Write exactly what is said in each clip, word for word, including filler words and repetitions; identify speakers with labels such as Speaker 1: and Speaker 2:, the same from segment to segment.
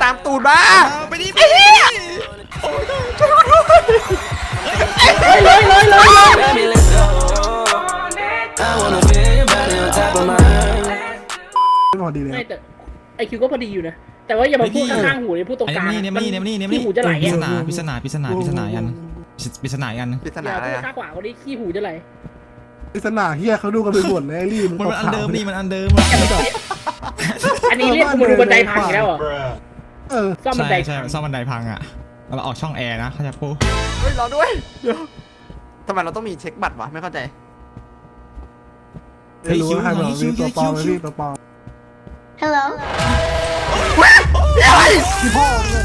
Speaker 1: ามตูดมา
Speaker 2: ไปดิไป
Speaker 1: เล
Speaker 2: ดิ
Speaker 1: ยเลยเลยเลย
Speaker 3: พอดีเลย
Speaker 4: ไม่แต่ไอคิวก็พอดีอยู่นะแต่ว่าอย่ามาพูดข้างๆหูเลยพูดตรงกลาง
Speaker 2: เนี่ยนี่เนี่ยนี่เนี่ยนี่
Speaker 4: ขี้หูจะไหล
Speaker 2: พิ
Speaker 4: อ่ะ
Speaker 2: ศนาพิศนาพิศนาพิศนายันพิศนายัน
Speaker 1: ปริศ
Speaker 4: อ
Speaker 1: นา
Speaker 4: ย่า
Speaker 1: อะไร
Speaker 4: พูด
Speaker 1: อะ
Speaker 4: ข้างขวาเขาดิขี้หูจะไหล
Speaker 3: ปริศนาเฮียเขาดูกันไปหมดเลยรีบ
Speaker 2: มันมันอันเดิมนี่มันอันเดิม
Speaker 4: อันนี้เรียกกูมาดูบันไดพังอีกแล้วเหรอ
Speaker 3: เออ
Speaker 4: ซ่อมบัน
Speaker 2: ใช่
Speaker 4: ได
Speaker 2: ใช่ซ่อมบันไดพังอ่ะเราออกช่องแอร์นะเขาจะพูด
Speaker 1: เฮ้ยรอด้วยเดี๋ยวทำไมเราต้องมีเช็คบัตรวะไม่เข้าใจ
Speaker 3: ไม่รู้ว่าใครบอกมีตัวปลอมไม่มีตัวปลอม
Speaker 5: Hello
Speaker 3: พี่พ่อเนี่ย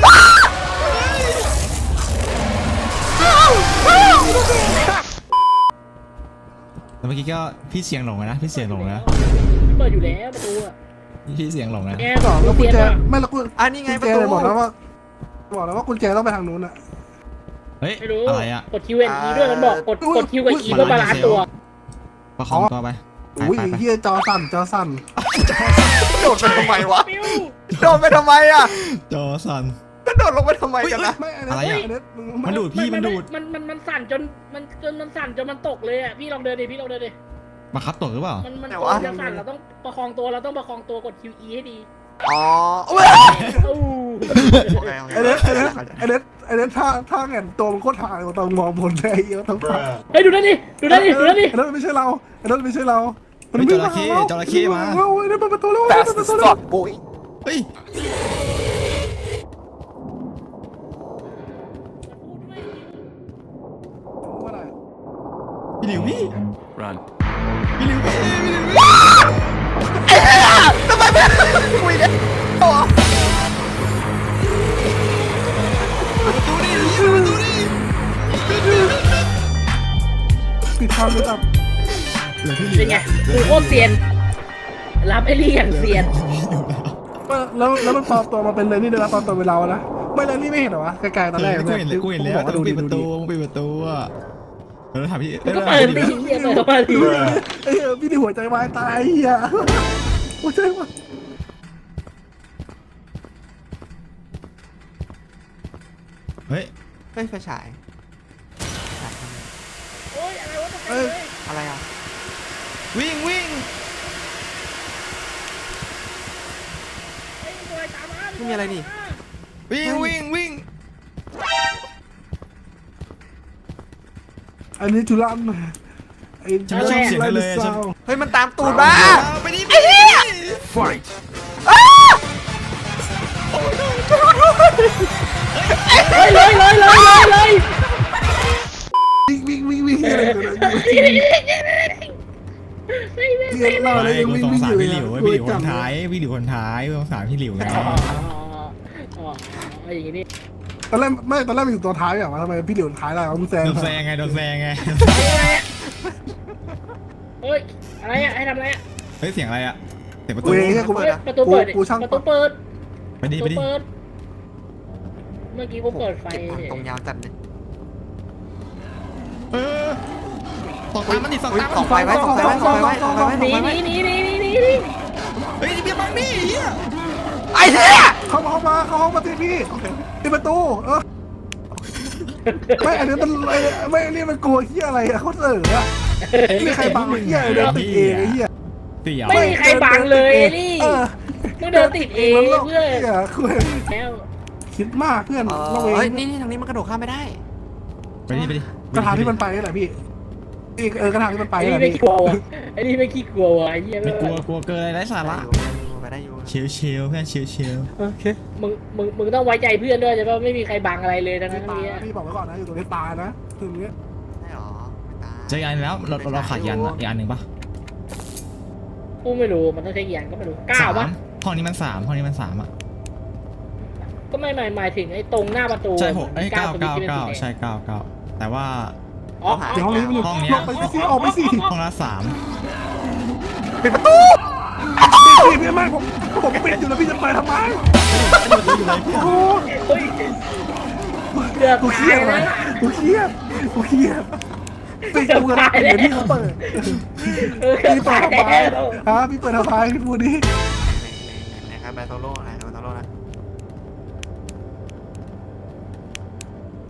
Speaker 2: แต่เมื่อกี้ก็พี่เสียงหลงนะพี่เสียงหลงนะ
Speaker 4: เปิดอยู่แล้วประตูอ่ะ
Speaker 2: พี่เสียงหลงนะ
Speaker 4: แก
Speaker 3: ต่อแล้วกุญแจไม่แล้วกุญ
Speaker 1: อ่ะนี่ไงประ
Speaker 3: แจ
Speaker 1: ตู
Speaker 3: เลยบอกแล้วว่าบอกแล้วว่ากุญแจต้องไปทางนู้นอ่ะ
Speaker 2: เฮ้ย
Speaker 4: ไม่รู้
Speaker 2: อะไรอ่ะ
Speaker 4: กดคิวเอ็นอีด้วยมันบอกกดกดคิวกับอีเพื่อบาลานซ์ตัว
Speaker 2: ประคองตัวไปไป
Speaker 3: อุ้ย
Speaker 2: ไปไป
Speaker 3: เฮียจอสั่นจอสั่น
Speaker 1: โดดไปทำไมวะ
Speaker 4: ปิ้ว
Speaker 1: โดดไปทำไมอะ
Speaker 2: จอสัน
Speaker 1: ก็โดดลงไปทำไมกันนะ
Speaker 3: ไม่อัน
Speaker 2: อะไร
Speaker 3: นี้
Speaker 2: อะ
Speaker 3: อันนี้
Speaker 2: มันดูดพี่มันดูด
Speaker 4: มันมันมันสั่นจนมันจนมันสั่นจนมันตกเลยอ่ะพี่ลองเดินดิพี่ลองเดินดิ
Speaker 2: บังคับตกหรือเปล่า
Speaker 4: มันมันตัวจะสั่นเราต้องประคองตัวเราต้องประคองตัวกดคิวอีให้ดี
Speaker 1: อ๋อโอ้ย
Speaker 4: อู้
Speaker 1: โอเคโอเค
Speaker 3: อันนี้อันนี้อันนี้อันนี้ถ้าถ้าแง่นตัวมันโคตรถ่ายกว่าตอนมองบนได้เยอะทั้งฝั่ง
Speaker 4: เฮ้ยดูนั่นดิดูนั่นดิดูนั่นดิ
Speaker 3: อันนั้นไม่ใช่เราอันนั้นไม่ใช่เรา
Speaker 2: เฮ้ยจระเข้จระเข้มา
Speaker 3: เราอันนี้เปิดประตูแล้ว
Speaker 1: แฟ
Speaker 3: เปิ
Speaker 1: ส
Speaker 3: ดประ
Speaker 1: ส
Speaker 3: ตู
Speaker 1: ป
Speaker 3: แล้
Speaker 1: อ
Speaker 3: ว
Speaker 1: ร์ตบุย
Speaker 2: เฮ้ยพี่หลิวพี่
Speaker 6: Run.
Speaker 2: พี่หลิวพี่พี่หลิว
Speaker 1: ทำไมไม่คุยเนี่ยโอ้
Speaker 2: ประตูนี่ประตูนี่
Speaker 3: ปิดทางเลยครับ
Speaker 2: เหลือพี่หลิ
Speaker 4: เป็
Speaker 2: วน
Speaker 4: ไงกูโคตรเซียนรับไอ้ลี่อย่างเซียน
Speaker 3: แล้วแล้วมันปลอมตัวมาเป็นเลยนี่เดี๋ยวปลอมตัวเป็นเรานะไม่เลยนี่ไม่เห็นเหรอวะไกลๆตอนแรก
Speaker 2: กูเห็นเลยกูเห็นแล้วแต่มึงปิดประตูมึงปิดประตูอ่ะเออถามพี่
Speaker 4: ก็เปิดดิเฮียเปิดเข้ามาดิ
Speaker 3: เอ้ยพี่นี่หัวใจวายตายเฮียหัวใจวาย
Speaker 2: เฮ้ย
Speaker 1: เฮ้ยไฟฉาย
Speaker 4: โอ้ยอะไรวะ
Speaker 3: เอ้ย
Speaker 1: อะไรอ่ะ
Speaker 2: วิ่งวิ่ง
Speaker 1: ไม่มีอะไรนี่
Speaker 2: วิ่งวิ่งวิ่ง
Speaker 3: อันนี้ทุลันไอ้
Speaker 2: ฉันไม่ชอบเสียงนั้นเลยฉัน
Speaker 1: เฮ้ยมันตามตูดมา
Speaker 2: ไปดิไปดิ
Speaker 6: Fight.
Speaker 4: เลยเลยเลยเลยเลยเลย
Speaker 3: วิ่งวิ่งวิ่งวิ่งอะไรกันเรียนเราอะไร
Speaker 2: ไม่
Speaker 3: ยัง
Speaker 2: กู
Speaker 3: วิ่ง
Speaker 2: สง
Speaker 3: วิ่ง
Speaker 2: สา
Speaker 3: อ
Speaker 2: ร
Speaker 3: ยู่
Speaker 2: พี่หลิวพี่หลิวคนท้ายพี่หลิวคนท้ายกูสงสารพี่หลิวไง
Speaker 4: อ๋ออ๋ออย่างงี้นี่
Speaker 3: ตอนแรกไม่ตอนแรกมันอยู่ตัวท้ายอย่างวะทำไมพี่เหลียวท้ายได้มึงแซง
Speaker 2: โดนแซงไงโดนแซงไง
Speaker 4: เฮ้ยอะไรอ่ะให้ทำอะไรอ่ะ
Speaker 2: เฮ้ยเสียงอะไรอ่ะเสียงประตู
Speaker 3: เว้ยกู
Speaker 4: ประตูเปิด
Speaker 3: กูช่าง
Speaker 4: ประตูเปิด
Speaker 2: ไปดิ
Speaker 4: ป
Speaker 2: ไประ
Speaker 4: ตู
Speaker 2: ดิ
Speaker 4: เปิดเมื่อกี้กูเปิดไฟ
Speaker 1: เก็บผักตรงยาวจัดเลย
Speaker 2: เออสองตามมันดิสอง
Speaker 1: อุ้ย
Speaker 2: ตาม
Speaker 1: ส่องไฟไว้ส่องไฟไว้ส่องไฟไว้ส่องไฟไว้
Speaker 4: ห
Speaker 1: ส่อง
Speaker 4: นี
Speaker 1: ไฟ
Speaker 4: หนี
Speaker 1: ไว้
Speaker 4: หนีหนีหนีหนีหนี
Speaker 2: เฮ้ยเบียร์บังนี่เฮีย
Speaker 1: ไอ้เหี้ย
Speaker 3: เข้ามาเข้ามาเข้าห้องมาตีพี่ตีประตูเออไม่อันนี้มันไม่อันนี้มันกลัวเฮียอะไรอะเขาเสออะไม่มีใครบังเฮียเดินติดเองไอ้เฮีย
Speaker 2: เสียว
Speaker 4: ไม่มีใครบังเลยนี่
Speaker 3: เออ
Speaker 4: มึงเดินติดเองเพื่อน
Speaker 3: เฮียคือ
Speaker 4: แล้ว
Speaker 3: คิดมากเพื่อน
Speaker 1: เอ
Speaker 3: เรา
Speaker 1: อ
Speaker 3: เอ
Speaker 1: เฮ้ย
Speaker 3: ง
Speaker 1: นี่นี่ทางนี้มันกระโดดข้ามไม่ได้
Speaker 2: ไปดิไปดิ
Speaker 3: กระถางที่มันไปนี่แหละพี่อีกเออกระถางที่มันไป
Speaker 4: ไอ้
Speaker 3: นี่
Speaker 4: นี่
Speaker 3: แหละ
Speaker 4: ไม่
Speaker 3: พี่
Speaker 4: กลัวว่ะไอ้นี่ไม่ขี้กลัวว่ะไอ้เหี้ย
Speaker 2: ไม่กลัวกลัวเกินอะไรไร้สาระ
Speaker 1: ไปได้อยู่
Speaker 2: เชียวเชียวเพื่อนเชียวเชียว
Speaker 3: โอเค
Speaker 4: มึงมึงมึงต้องไว้ใจเพื่อนด้วยใช่ป่ะไม่มีใครบังอะไรเลยทั้ง
Speaker 3: ไม่
Speaker 4: นั้น
Speaker 3: ตาย
Speaker 4: นี้
Speaker 3: นะพี่บอกไว้ก่อนนะอยู่ตรงนี้ตายนะถึงนี้
Speaker 1: ได้หรอไม่ตาย
Speaker 2: เจออีกอันแล้วเราเราขาดยันอีกอันหนึ่งปะ
Speaker 4: กูไม่รู้มันต้องใช้กี่อย่างก็ไม่รู้เก้า
Speaker 2: สาม
Speaker 4: ปะ
Speaker 2: ห้องนี้มันสามห้องนี้มันสามอ่ะ
Speaker 4: ก็ไม่หมายหมายถึงไอ้ตรงหน้าประตู
Speaker 2: ใช่หกไอ้เก้า
Speaker 4: ตัว
Speaker 2: เก้า
Speaker 4: ที่ป็น
Speaker 2: เก้า
Speaker 4: สีแดง
Speaker 2: ใช่เก้าเก้าแต่ว่า
Speaker 4: อ๋อ
Speaker 3: เดี๋ยวห้องนี้มันอยู่
Speaker 2: ห้องเนี้ย
Speaker 3: ลงไปสิออกไปสิ
Speaker 2: ห้องละสาม
Speaker 1: ปิดประตู
Speaker 3: พี่พี่ไม่ผมผมปิดอยู่แล้วพี่จะไปทำไมโอ้
Speaker 4: เฮ้ยเกือบ
Speaker 3: กูเครี
Speaker 4: ตาย
Speaker 3: ด
Speaker 4: แล้
Speaker 3: เล
Speaker 4: วย
Speaker 3: กูเครียดกูเครียดปิดกูกระดาษเดี๋ยวพี่เขาเปิด
Speaker 4: เออเกือบ
Speaker 3: พี่เปิ
Speaker 4: ตา
Speaker 3: ด
Speaker 4: ย
Speaker 3: ทำไม
Speaker 4: แล้ว
Speaker 3: ฮะพี่เปิดทำไมพี่พูดดิ
Speaker 1: ไหนครับแบทโตโร่ไหนแบทโตโร่นะ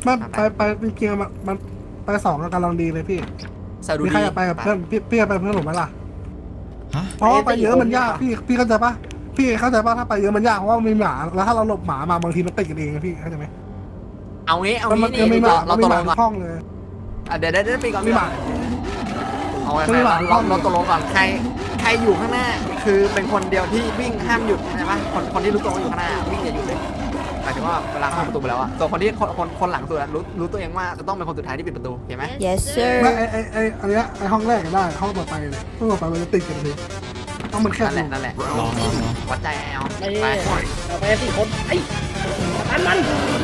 Speaker 3: ไม่ไปไปจริงๆมันมันไปสองกำลังดีเลยพี่
Speaker 1: ใส่ดู
Speaker 3: มี
Speaker 1: ดี
Speaker 3: ใครอยากไปกับเพื่อนพี่พี่อยากไปเพื่อนผมไหมล่ะ
Speaker 2: ฮะ
Speaker 3: เพราะว่าไปเยอะมันยากพี่พี่เข้าใจปะพี่เข้าใจปะถ้าไปเยอะมันยากเพราะว่ามีหมาแล้วถ้าเราหลบหมามาบางทีมันติดกันเองนะพี่เข้าใจไหม
Speaker 1: เอางี้เอา
Speaker 3: มัน
Speaker 1: งี้
Speaker 3: มัน
Speaker 1: นี่
Speaker 3: มีหมา
Speaker 1: เรา
Speaker 3: มี
Speaker 1: ตก
Speaker 3: ห
Speaker 1: ล
Speaker 3: มาง ทุ
Speaker 1: ก่อน
Speaker 3: กห้องเลย
Speaker 1: อ่ะเดี๋ยวเดี๋ยวเดี๋ยวปีก่อน
Speaker 3: มีหมา
Speaker 1: เอาไว้
Speaker 3: มีหมา
Speaker 1: เราเราตกลงก่อนใครใครอยู่ข้างหน้า คือเป็นคนเดียวที่วิ่งห้ามหยุดใช่ปะคนคนที่รู้ตัวว่าอยู่ข้างหน้าวิ่งอย่าหยุดเลยหมายถึงว่าเวลาเข้าประตูไปแล้วอะส่วนคนที่คนคนคนหลังสุดอะรู้รู้ตัวเองว่าจะต้องเป็นคนสุดท้ายที่ปิดประตูเห็นไหม
Speaker 5: Yes sir
Speaker 3: ไม่ไอไอไออันเนี้ยไอห้องแรกก็ได้ห้องต่อไปเลยห้องต่อไปมันจะติดกันเลยต้องมันแคบ
Speaker 1: นั่น
Speaker 3: อ
Speaker 1: แหละ
Speaker 3: ยู่
Speaker 1: นั่นแหละ
Speaker 2: ลองลองลอง
Speaker 1: วัดใจเอา
Speaker 4: ไป
Speaker 1: ไป
Speaker 4: เราไปสี่คนไอ้ตันมัน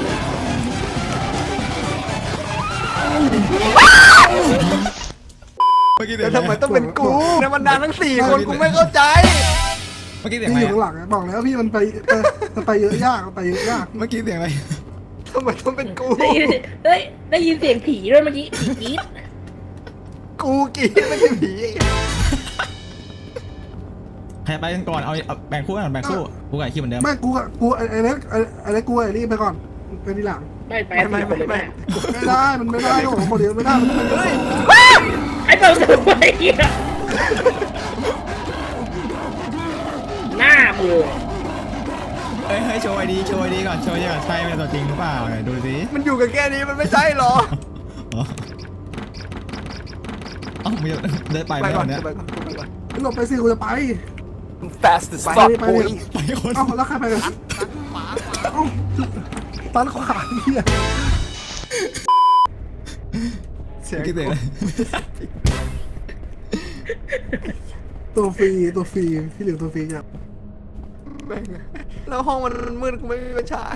Speaker 2: เมื่อกี้เสี
Speaker 1: แล้
Speaker 2: ยว ง
Speaker 1: ทำไมต้องเป็นกูในบรรดาทั้งสี่คนกูไม่เข้าใจ
Speaker 2: เมื่อกี้เสียง
Speaker 3: พี่
Speaker 2: อะไร
Speaker 3: อยู่
Speaker 2: อะ
Speaker 3: ข้างหลังบอกแล้วพี่มันไปไปมันไปเยอะยากมันไปเยอะยาก
Speaker 2: เมื่อกี้เสียงอะไร
Speaker 1: ทำไมต้องเป็นกู
Speaker 4: ได้ยินได้ได้ยินเสียงผีด้วยเมื่อกี้ผีกรี๊ด
Speaker 1: กูกรีดไม่ใช่ผี
Speaker 2: ใครไปกันก่อนเอาเอาแบ่งคู่กันแบ่งคู่กูกับไอ้คิวเหมือนเดิม
Speaker 3: ไม่กูกับกูไอไอเล็กไอไอเล็กกูไอรีบไปก่อนไปทีหลัง
Speaker 4: ไม่ไป
Speaker 1: ไม่ไม่
Speaker 4: สี่คน
Speaker 1: ไม่
Speaker 4: เลย
Speaker 1: ไม่
Speaker 4: แม่
Speaker 3: ไม่ได้มันไม่ได้โอ้โหคนเดียวไม่ได้มันต้องเป็น
Speaker 4: ไอ้เปิดประตูไอ้เหี้ยหน้ามือ
Speaker 2: เฮ้ยเฮ้ยโชว์ไอดีโชว์ไอดีก่อนโชว์ไอดีก่อนใช่เป็นตัวจริงหรือเปล่าไหนดูสิ
Speaker 1: มันอยู่กันแค่นี้มันไม่ใช่หรอ
Speaker 2: อ๋อเอ้าไม่เดินไป
Speaker 1: ไป
Speaker 2: ไหม
Speaker 1: ก่อ
Speaker 2: วัน นเนี้ย
Speaker 1: ไปก่อนไปก่อน
Speaker 3: หลบไปสิกูจะไป
Speaker 1: fast as
Speaker 3: ไป
Speaker 1: fuck
Speaker 3: ไป
Speaker 1: boy
Speaker 2: ไปคน
Speaker 3: เอ้าแล้วใครไปกันเอ้าตันขวาเฮีย
Speaker 1: เสียง
Speaker 2: เมื่อกี้เสียงอะไร
Speaker 3: ตัวฟรีตัวฟรีที่เหลือตัวฟรีเนี่ย
Speaker 1: แม่งแล้วห้องมันมืดกูไม่มีไฟฉาย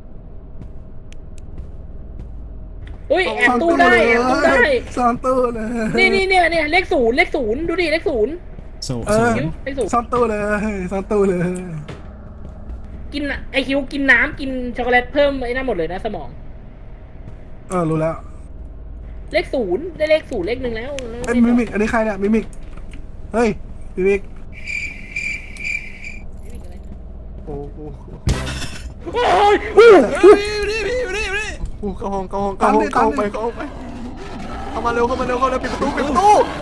Speaker 4: อุ้ยแอบตู้ได้แอบตู้ได้
Speaker 3: ซ่อนตู้เลย
Speaker 4: นี่นี่เนี่ยเนี่ยเลขศูนย์เลขศูนย์ดูดิเลขศูนย์
Speaker 2: โซ
Speaker 3: เอ
Speaker 2: โซ
Speaker 3: อ
Speaker 4: คิ้วเลขศูนย์
Speaker 3: ซ่อนตู้เลยซ่อนตู้เลย
Speaker 4: กินอะไอคิวกินน้ำกินช็อกโกแลตเพิ่มไอ้นั่นหมดเลยนะสมอง
Speaker 3: เออรู้แล้ว
Speaker 4: เลขศูนย์ได้เลขศูนย์เลขหนึ่งแล้ว
Speaker 3: ไอ้มิมิกอันนี้ใครเนี่ยมิมิกเฮ้ยมิมิก
Speaker 1: โอ้โห
Speaker 4: โอ้ยอู้
Speaker 2: เฮ้ยนี่พี่อยู่นี่อยู่นี่
Speaker 1: กูเข้าห้องเข้าห้องเข้าห้องเข้าห้องไปเข้าห้องไปเข้ามาเร็วเข้ามาเร็วเข้าเร็วปิดประตูปิดประตู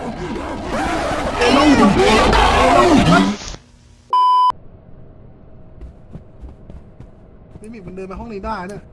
Speaker 3: มิมิกมันเดินไปห้องนี้ได้เนี่ย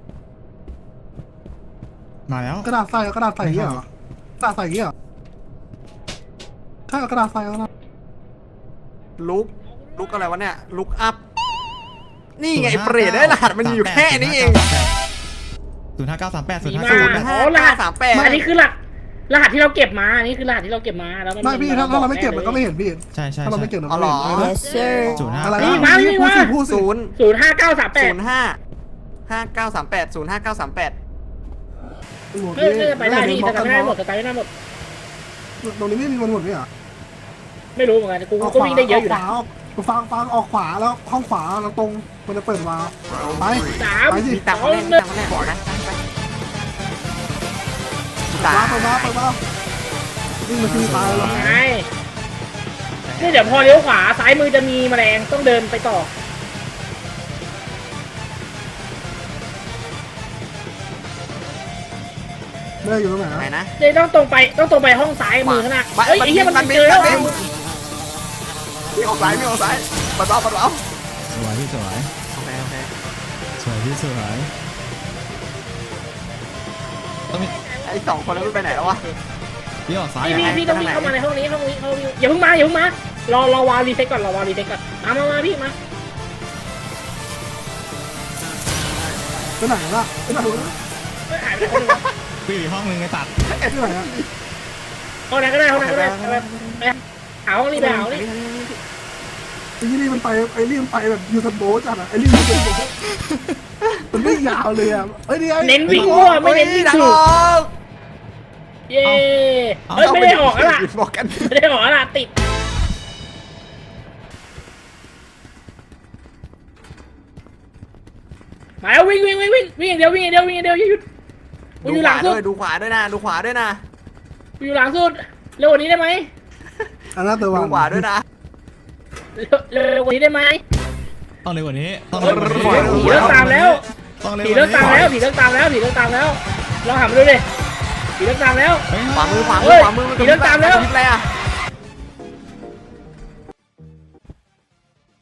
Speaker 2: มาแล้ว
Speaker 3: กระดาษใส่กระดาษใส่เงี้ยเหรอกระดาษใส่เงี้ยเหรอใช่กระดาษใส่แล้วนะ
Speaker 1: ลุกลุกอะไรวะเนี่ยลุกอัพนี่ไงเปรตได้รหัสมันอยู่แค่นี้เอง
Speaker 2: ศูนย์ห้าเก้าสามแปดศูน
Speaker 4: มี
Speaker 2: ย์ห้า
Speaker 4: มา
Speaker 2: เก้าสามแปด
Speaker 4: อ๋อรหัส
Speaker 1: สามแปด
Speaker 4: อันนี้คือหลักรหัสที่เราเก็บมาอันนี้คือรหัสที่เราเก็บมาแล้วมัน
Speaker 3: ไม่พี่ถ้าถ้าเราไม่เก็บมันก็ไม่เห็นพี่
Speaker 2: ใช่ใช่
Speaker 3: ถ้าเรา
Speaker 2: ใช่
Speaker 3: ไม่เก็บเรา
Speaker 1: อ๋อ
Speaker 3: ไม่
Speaker 1: เหรอ
Speaker 3: เห็น
Speaker 5: Yes sir
Speaker 2: ศูนย์ห้า
Speaker 3: อะไร
Speaker 2: เก้า
Speaker 3: นะพูดสิพูดสิ
Speaker 1: ศูนย์
Speaker 4: ศูนย์ห้าเก้าสามแป
Speaker 1: ศู
Speaker 4: ด
Speaker 1: นย์ห้าห้าเก้าสามแปดศูนย์ห้าเก้าสามแปด
Speaker 4: เพื่อจะไปได้พี่แต่ไม่ได้หมดแต่ไม่ได้หมด
Speaker 3: ตรงนี้ไม่มีคนหมดเนี่ย
Speaker 4: ไม่รู้เหมือนกันกู
Speaker 3: ออก
Speaker 4: ก็
Speaker 3: ขวา
Speaker 4: วิ่งได้เยอะอยู่
Speaker 3: ข
Speaker 4: นะ
Speaker 3: วาออกฟังฟังออกขวาแล้วห้องขวาแล้วตรงมันจะเปิดวาล์วไป
Speaker 4: สาม
Speaker 3: ไปสิ
Speaker 1: มีตังค์
Speaker 4: สอ
Speaker 1: มาง แน่
Speaker 4: ห
Speaker 1: มี
Speaker 4: นึ่ง
Speaker 1: ตังค์มาแน่บอกนะไปตา
Speaker 3: ว้าไปว้าไปว้าวิ่งมาที่ตายแล้ว
Speaker 4: ไงนี่เดี๋ยวพอเลี้ยวขวาซ้ายมือจะมีแมลงต้องเดินไปต่อ
Speaker 3: ไม่ได้อยู่ตรงไหน
Speaker 1: ไหน
Speaker 3: นะ
Speaker 1: นะ
Speaker 4: เดี๋ยวต้องตรงไปต้องตรงไปห้องซ้ายมือข้างหน้า
Speaker 1: มัน
Speaker 4: เอ้ยไอ้เหี้ยมัน
Speaker 1: มัน
Speaker 4: เจอแล้ว
Speaker 1: มัน มีออกซ้ายมีออกซ้ายปัดเอาปัดเอา
Speaker 2: สวยพี่สวย
Speaker 1: โอเคโอเค
Speaker 2: สวยพี่สวยต้องมี
Speaker 1: ไอ้สองคนนั้นมันไปไหนแล้ววะ
Speaker 2: พี่ออกซ้าย
Speaker 4: พี่
Speaker 2: อ่ะ
Speaker 4: พี่พี่ต้องวิ่งเข้ามาในห้องนี้ห้องนี้ห้องนี้อย่าเพิ่งมาอย่าเพิ่งมารอรอวารีเซ็ตก่อนรอวารีเซ็ตก่อนมามามาพี่มา
Speaker 3: ไปไหนล่ะไปไหนล่ะ
Speaker 4: เฮ้ยหายไปคนหนึงวะ
Speaker 2: พี่อยู่ห้องนึงไอ้ตัด
Speaker 3: ที่ไหนอะ
Speaker 4: ห้องไหนก็ได้ห้องไหนก็ได้ไปไปหาห้องนี้ไปหาห้องนี้
Speaker 3: ไอ้นี่มันไปไอ้นี่มันไปแบบยูทันโบจัดอะไอ้นี่ยูทันโบมันไม่ยาวเลยอะเอ้ยนี่ไอ้
Speaker 4: เน้นวิ่งมั่วไม่เน้นวิ่ง
Speaker 1: ดัง
Speaker 4: ถู
Speaker 1: อก อก
Speaker 4: เย้เฮ้ยไม่ได้ออกแล้วล่ะ
Speaker 1: บอกกัน
Speaker 4: ไม่ได้ออกแล้วล่ะติดมาแล้ววิ่งวิ่งวิ่งวิ่งวิ่งอย่างเดียววิ่งอย่างเดียววิ่งอย่างเดียวอย่าหยุดกู
Speaker 1: ดู
Speaker 4: อยู่
Speaker 1: ข
Speaker 4: หลั
Speaker 1: วาง
Speaker 4: สุ
Speaker 1: ด้
Speaker 4: ด
Speaker 1: วยดูขวาด้วยนะดูขวาด้วยนะ
Speaker 4: กูอยู่หลังสุดเร็วกว่านี้ได้ไหม
Speaker 3: อันนั้นตัววั
Speaker 1: ดู
Speaker 3: น
Speaker 1: ขวาด้วยนะ
Speaker 4: เร็วเร็วกว่านี้ได้ไหม
Speaker 2: ต้องเร็วกว่านี้ต้อง
Speaker 4: ผี
Speaker 2: เร็วกว่านี้
Speaker 4: เลิกตามแล้ว
Speaker 2: ต้องเร็ว
Speaker 4: ผี
Speaker 2: ก
Speaker 4: เลิ
Speaker 2: ว่าก
Speaker 4: ตาม
Speaker 2: นี้
Speaker 4: แล้วผีเลิกตามแล้วผีเลิกตามแล้วเราหันมาดูดิผีเลิกตามแล้ว
Speaker 2: เฮ้ย
Speaker 1: ขวามือขวามื
Speaker 4: เฮ้
Speaker 1: อย ขวามือมัน
Speaker 4: ผีเดินตามแล้ว
Speaker 1: กระพริบอะไรอ่ะ